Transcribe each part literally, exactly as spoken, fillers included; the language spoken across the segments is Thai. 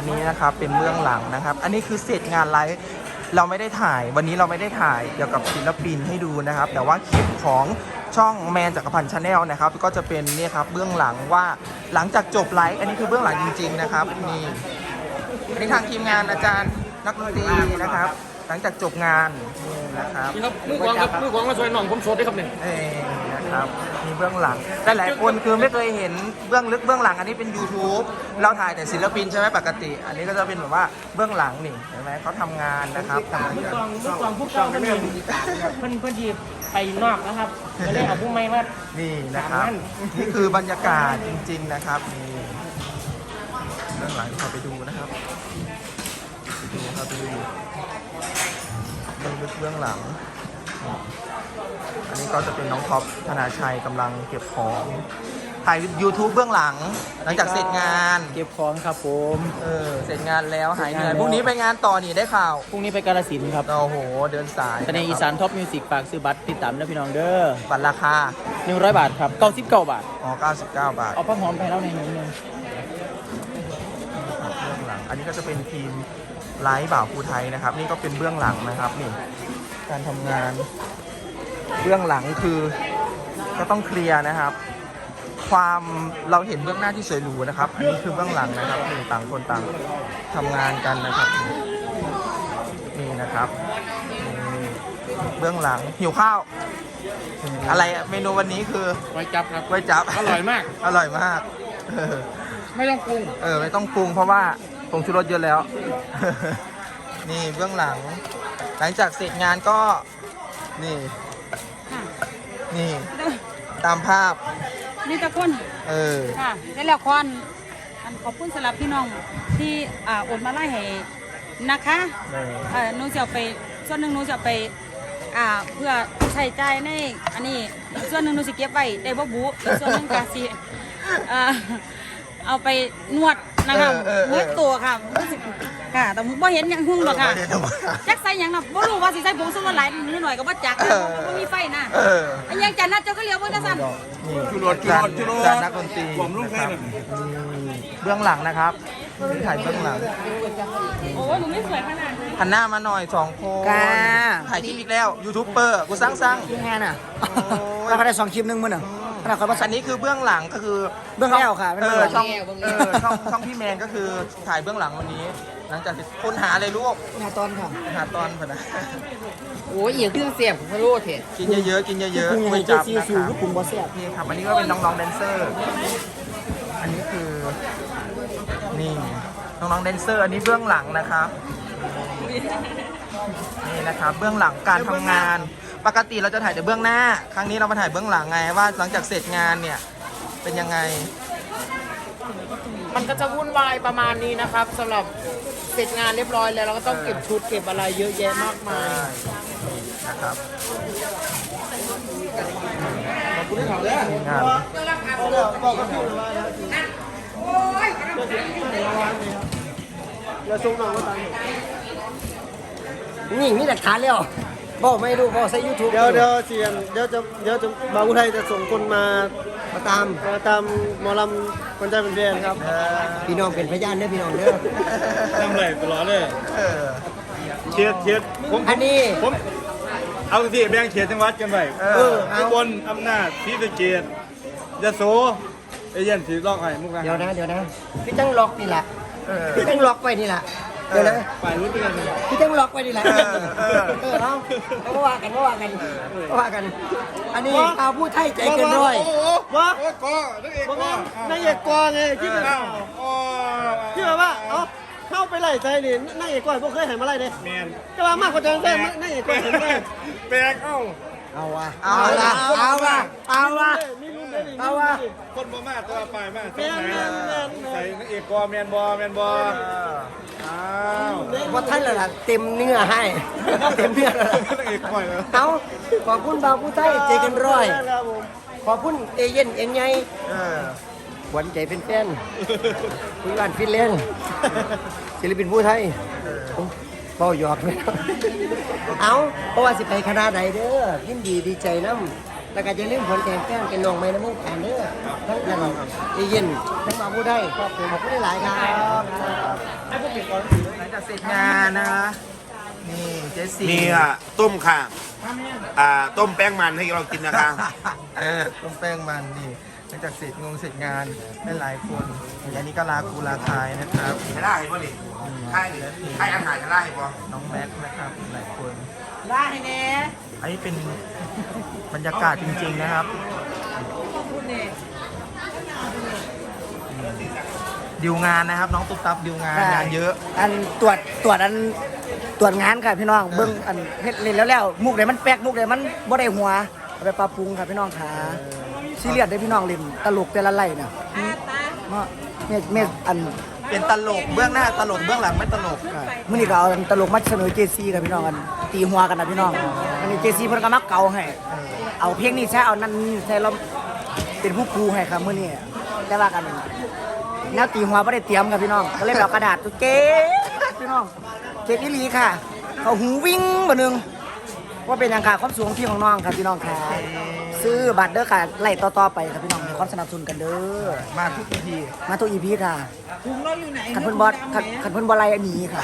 นี้นะครับเป็นเบื้องหลังนะครับอันนี้คือเสร็จงานไลฟ์เราไม่ได้ถ่ายวันนี้เราไม่ได้ถ่ายเกี่ยวกับศิลปินให้ดูนะครับแต่ว่าคลิปของช่องแมนจักรพันธ์ชาแนลนะครับก็จะเป็นนี่ครับเบื้องหลังว่าหลังจากจบไลฟ์อันนี้คือเบื้องหลังจริงๆนะครับนี่อันนี้ทางทีมงานอาจารย์นักดนตรีนะครับหลังจากจบงานนี่นะครับนี่ครับมือกวางครับมือกวางมาช่วยน้องผมโสดได้ครับเนี่ยเอ้นะครับมีเบื้องหลังแต่หลายคนคือไม่เคยเห็นเบื้องลึกเบื้องหลังอันนี้เป็น YouTube เราถ่ายแต่ศิลปินใช่ไหมปกติ อันนี้ก็จะเป็นแบบว่าเบื้องหลังนี่เห็นไหมเขาทำงานนะครับทำงานมือกันกองมือกองผู้เก่าเพิ่นเพิ่นเพิ่นหยิบไปนอกนะครับก็เลยเอาผู้ใหม่มานี่นะครับนี่คือบรรยากาศจริงๆนะครับนี่เบื้องหลังเขาไปดูนะครับไปดูครับไปดูเบื้องลึกเบื้องหลัง อันนี้ก็จะเป็นน้องท็อปธนาชัยกำลังเก็บของถ่าย YouTube เบื้องหลังหลังจากเสร็จงานเก็บของครับผมเออเสร็จงานแล้วหายเหนื่อยพรุ่งนี้ไปงานต่อนี่ได้ข่าวพรุ่งนี้ไปกาฬสินธุ์ครับโอ้โหเดินสายตอนนี้อีสานท็อปมิวสิกฝากซื้อบัตรติดตามนะพี่น้องเด้อบัตรราคาหนึ่งร้อยบาทครับเก้าสิบเก้าบาทอ๋อเก้าสิบเก้าบาทเอาผ้าหอมไปแล้วในหนึ่งนึงเบื้องหลังอันนี้ก็จะเป็นทีมไลฟ์บ่าวภูไทยนะครับ นี่ก็เป็นเบื้องหลังนะครับนี่การทำงานเบื้องหลังคือก็ต้องเคลียร์นะครับ ความเราเห็นเบื้องหน้าที่สวยหรูนะครับ อันนี้คือเบื้องหลังนะครับนี่ต่างคนต่างทำงานกันนะครับนี่นะครับนี่เบื้องหลังหิวข้าว อะไรอะเมนูวันนี้คือไว้จับครับก๋วยจั๊บอร่อยมากอร่อยมากเออไม่ต้องปรุงเออไม่ต้องปรุงเพราะว่าผงชูรสเยอะแล้ว นี่เบื้องหลัง หลังจากเสร็จงานก็นี่นี่ตามภาพนี่ตะคนเออค่ะได้แล้วคอนอันขอบคุณสำหรับพี่น้องที่อ่าโอนมาไล่ให้นะคะเออเออหนูจะเอาไปส่วนหนึ่งหนูจะเอาไปอ่าเพื่อใช้จ่ายในอันนี้อีกส่วนหนึ่งหนูจะเก็บไว้ได้บ่บุอีกส่วนหนึ่งก็สิเอ่อเอาไปนวดนะคะเมื่อตัวค่ะรู้สึกค่ะแต่บ่เห็นหยังหุ่งหรอกค่ะจักใส่หยังน่ะบ่รู้ว่าสิใส่ผงชูรสหลายนิดหน่อยก็บ่จักนะบ่มีไฟนะเอออันยังจันนัดเจ้าก็เลี้ยวเบิ่งจังซั่นนี่จุรสจุรสจุรสจานนักดนตรีผมลูกนะใครครับเนี่ยนี่เบื้องหลังนะครับนี่ถ่ายเบื้องหลังโอ้หนูไม่สวยขนาดนั้นหันหน้ามาหน่อยสองคนค่ะถ่ายคลิปอีกแล้วยูทูบเบอร์กูสร้างสร้างยังไงน่ะโอ้ยเราก็ได้สองคลิปหนึงมื้อน่ะขนาดเขามาอันนี้คือเบื้องหลังก็คือเบื้องแล้วค่ะเออเบื้องหลังช่องเออช่องช่องพี่แมนก็คือถ่ายเบื้องหลังวันนี้ หลังจากที่คนหาอะไรลูกหน้าตอนค่ะหาตอนพอนะโอ้ยอีกเครื่องเสียบผมไม่รู้เถอะกินเยอะๆกินเยอะปรุงๆยังก๋ไงวยเจ๊จั๊บซีนะซิคว รับก็ปรุงบ่แซ่บนี่ครับอันนี้ก็เป็นน้องๆแดนเซอร์ อันนี้คือนี่น้องๆแดนเซอร์ อันนี้เบื้องหลังนะครับนี่นะครับเบื้องหลังการทำงาน ปกติเราจะถ่ายแต่เบื้องหน้า ครั้งนี้เรามาถ่ายเบื้องหลังไงว่าหลังจากเสร็จงานเนี่ยเป็นยังไงมันก็จะวุ่นวายประมาณนี้นะครับสำหรับเสร็จงานเรียบร้อยแล้วเราก็ต้องเก็บชุดเก็บอะไรเยอะแยะมากมายนะครับงานนี่มีหลักฐานแล้วบอกไม่รู้บอกใส่ YouTube เดี๋ยวเดี๋ยวเสียนเดี๋ยวจะเดี๋ยวจะบางอุทัยจะส่งคนมามาตามมาตามหมอลำคนใจเป็นแฟนครับพี่น้องเป็นพยานเด้อพี่น้องเด้อทำไรตลอดเลยเออเชียร์เชียร์ผมอันนี้ผมเอาที่แบ่งเขตจังหวัดกันไปเอเอออเอาอุบลอำนาจศรีสะเกษยโสเอเย่นสีลอกไห้มุกนะเดี๋ยวนะเดี๋ยวนะพี่ตั้งล็อกนี่แหละเออพี่ตั้งล็อกไว้นี่แหละเดี๋ยวนะฝ่ายรู้เป็นยังไงพี่ตั้งล็อกไว้นี่แหละเออเออเออเอาเอาก็ว่ากันก็ว่ากันก็ว่ากัน อันนี้เอาพูดไทยใจเกินร้อยโอ้โหว่าโอ้โหนักเอกบอกก็ว่านายเอกกอไงที่เป็นอ้าวโอ้ที่แบบว่าเอ้าเข้าไปไล่ใจนี่นายเอกกอพวกเคยเห็นมาไล่เด้แมนก็ว่ามากกว่าจังเลยนายเอกกอเห็นไหมแปลกเอ้าเอาว่ะเอาเอาละละเอาว่ะเอาว่ะมีรุ่นได้ดิเอาว่ะคนบ่มาตัวไปมาแมนแมนแมนใส่นักเอกกอแมนบอแมนบออ้าวว่าท่านละล่ะเต็มเนื้อให้ เต็มเนื้อแล้วล่ะนักเอกก่อยเลยเอาขอบคุณบาวผู้ไทยใจเกันร้อยครับผมขอบคุณเอเย่นเอ็นไงเออหวันใจเป็นแฟนคุยบ้านฟินแลนด์ศิลปินผู้ไทยเบาหยอกเลยเอาเพราะว่าสิไปคณะใดเด้อยินดีดีใจน้แล้วก็จะลืมผลแข่งแก้มเป็นน้องใหม่ในวงการเด้อทั้งกันเอเย่นทั้งมาผู้ได้ขอบคุณขอบคุณหลายๆครับให้พวกเด็กก่อนหลังจากเสร็จงานนะคะนี่เจสซี่มีอ่ะต้มค่ะอ่าต้มแป้งมันให้เรากินนะคะต้มแป้งมันนี่หลังจากเสร็จงงเสร็จงานได้หลายคนอันนี้ก็ลาคูลาคายนะครับจะได้ป่ะนี่ให้ดิให้อาหารจะได้ป่ะน้องแม็กซ์นะครับหลายคนได้แน่อันนี้เป็นบรรยากาศจริงๆนะครับดิวงานนะครับ น้องตุ๊กตับดิวงานงานเยอะอันตรวจตรวจอันตรวจงานค่ะพี่น้องเบิ้งอันเฮ็ดเล่นแล้วแล้วมุกไหนมันแป๊กมุกไหนมันบ่ได้หัวเอาไปปรับปรุงค่ะพี่น้องขาซีเรียสได้พี่น้องเล่นตลกแต่ละไล่น่ะเนาะเมเมอันเป็นตลกเบื้องหน้าตลกเบื้องหลังไม่ตลกมื่อนี้ก็เอาตลกมาเสนอเจซีกับพี่น้องกันตีหัวกันนะพี่น้องอันนี้เจซีเพิ่นก็มักเก่าให้เอาเพลงนี้ใช้เอานั่นใช้เราเป็นผู้ครูให้ครับมื่อนี้แต่ว่ากันแนวตีหัวไม่ได้เตรียมกับพี่น้องก็เลยแบบกระดาษตัวเก๊พี่น้องเก๊อีหลีค่ะ เขาหูวิ่งบ่นึงว่าเป็นอย่างค่ะความสูงที่ของน้องครับพี่น้องค่ะซื้อบัตรเด้อค่ะไล่ต่อๆไปครับพี่น้องมีความสนับสนุนกันเด้อมาทุกทีมาทุกอีพีค่ะถุงเราอยู่ไหนขันเพิ่นบอสขันขันเพิ่นบอไล่หนีค่ะ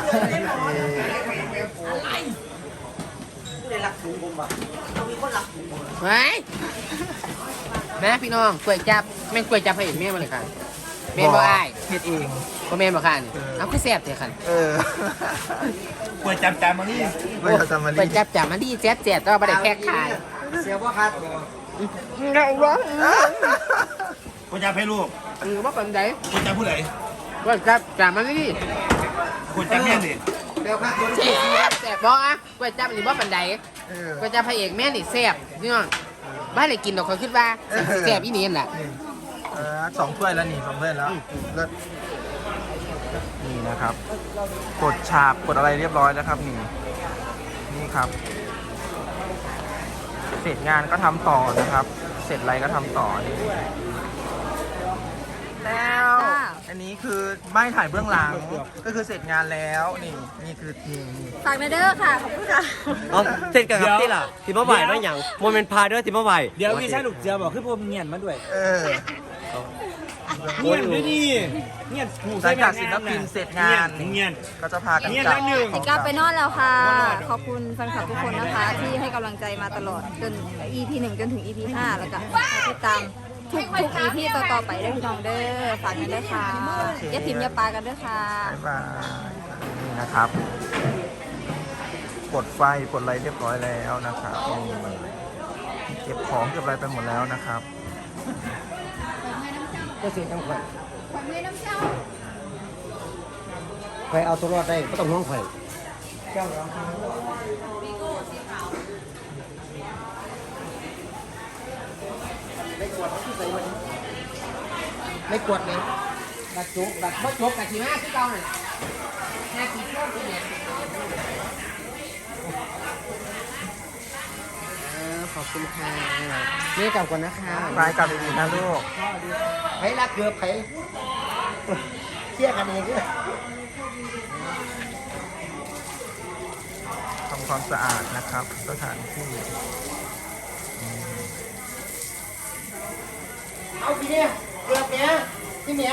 ไว้แม่พี่น้องกล้วยจับแม่นกล้วยจับให้แม่มาเลยค่ะแม่นบ่อ้ายเฮ็ดเองบ่แม่นบ่ค่ะนี่เอาคือแซ่บเถอะค่ะเออกล้วยจับจานมานี่เว้ยจำมาไปลีจับจับมันดีแจ๊บแจ๊บแต่ว่าไม่ได้แพ็คขายเสียบ่ครับไงวะกล้วยจับให้ลูกเออว่าเป็นไงกล้วยจับผู้ใดว่าจับจับมันดีกล้วยจับแม่ดิเดี๋ยวครับแซ่บแซ่บบอกอ่ะว่าจับนี่ว่าเป็นไงเออว่าจับพระเอกแม่นี่แซ่บนี่น้องบ้านไหนกินดอกเขาคิดว่าแซ่บอีนี่นั่นแหละนี่เออสองถ้วยแล้วนี่สองถ้วยแล้วเลิศนี่นะครับ กดฉากกดอะไรเรียบร้อยแล้วครับนี่นี่ครับ เสร็จงานก็ทำต่อนะครับ เสร็จอะไรก็ทำต่อนี่แล้วอันนี้คือไม่ถ่ายเบื้องหลังก็คือเสร็จงานแล้วนี่นี่คือนี่นี่ฝากเด้อค่ะ ขอบคุณค่ะเอาเสร็จกันครับที่ล่ะที่มาไหวไม่หยังโมเมนต์พาด้วยที่มาไหวเดี๋ยวพี่ชายลูกเจือบอกคือพวกเงียนมาด้วยเออเงียนด้วยนี่เงียนหูหลังจากศิลปินเสร็จงานเงียนก็จะพากันเงียนกลัแล้วหนึ่งของกลับไปนอนแล้วค่ะ ขอบคุณแฟนคลับทุกคนนะคะ ที่ให้กำลังใจมาตลอดจน อี พี หนึ่งจนถึง อี พี ห้าแล้วก็ติดตามทุกทุก อี พี ต่อๆไปด้วยพี่น้องเด้อฝากกันด้วยค่ะอย่าทิมอย่าปากันด้วยค่ะบ๊ายบายนี่นะครับปลดไฟปลดอะไรเรียบร้อยแล้วนะครับนี่เก็บของเก็บอะไรไปหมดแล้วนะครับก็เสียจังไข่ไข่เอาตัวรอดได้ก็ต้องห่วงไข่ไม่กดเลยบัดจุกบัดบัดจุกกับทีมาที่เก่าหน่อยแค่กี่ช่วงกี่เนี่ยขอบคุณค่ะนี่กลับก่อนนะคะไปกลับดีๆนะลูกไข่รักเกือบไข่เชี่ยกันเองด้วยทำความสะอาดนะครับสถานที่เอาพี่เนี่ยเกือบเนี่ยพี่เมีย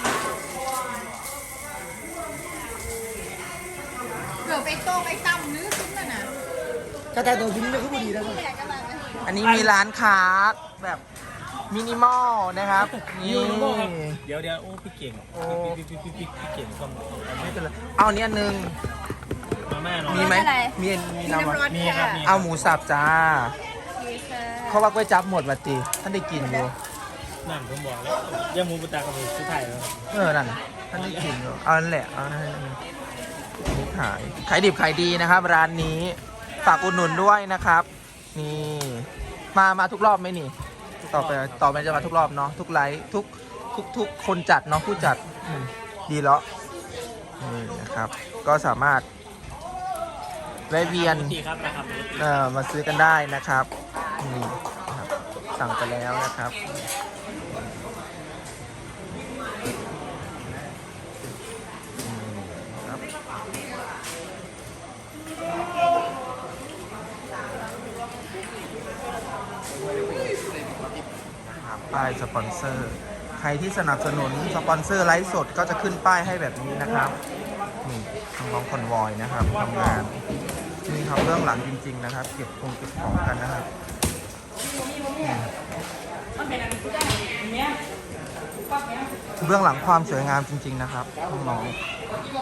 เกือบไปโต้ไปตั้มนึกขึ้นน่ะนะถ้าแต่ตัวยิ้มไม่ค่อยดีแล้วอันนี้มีร้านค้าแบบมินิมอลนะครับนี่เดี๋ยวเดี๋ยวโอ้พี่เก่งโอ้พี่พี่พี่พี่พี่เก่งก็ไม่เป็นไรเอาอันนี้อันหนึงมาแม่นอนมีไหมมีมีน้ำวะมีครับมีเอาหมูสับจ้าเพราะว่าก๋วยจับหมดมาตีท่านได้กินอยู่นั่นผมบอกแล้วย่ามูปุตตากับผมสุดท้ายแล้วเออ นั่น ท่านได้กินอยู่เอานั่นแหละ เอานั่นแหละนี่ขาย ขายดิบขายดีนะครับ ร้านนี้ ฝากอุดหนุนด้วยนะครับ นี่ มา มาทุกรอบไหมนี่ ต่อไป ต่อไปจะมาทุกรอบเนาะ ทุกไลฟ์ทุก ทุก ทุกคนจัดเนาะ ผู้จัดอืมดีแล้วนี่นะครับ ก็สามารถแวะเวียนดีครับนะครับเอ่อ มาซื้อกันได้นะครับ นี่นะครับ สั่งไปแล้วนะครับายสปอนเซอร์ ใครที่สนับสนุนสปอนเซอร์ไลฟ์สดก็จะขึ้นป้ายให้แบบนี้นะครับนี่น้องๆคอนวอยนะครับทำงานนี่ครับเบื้องหลังจริง ๆ นะครับ เก็บคงเก็บของกันนะครับเบื้องหลังความสวยงามจริง ๆ นะครับน้องๆ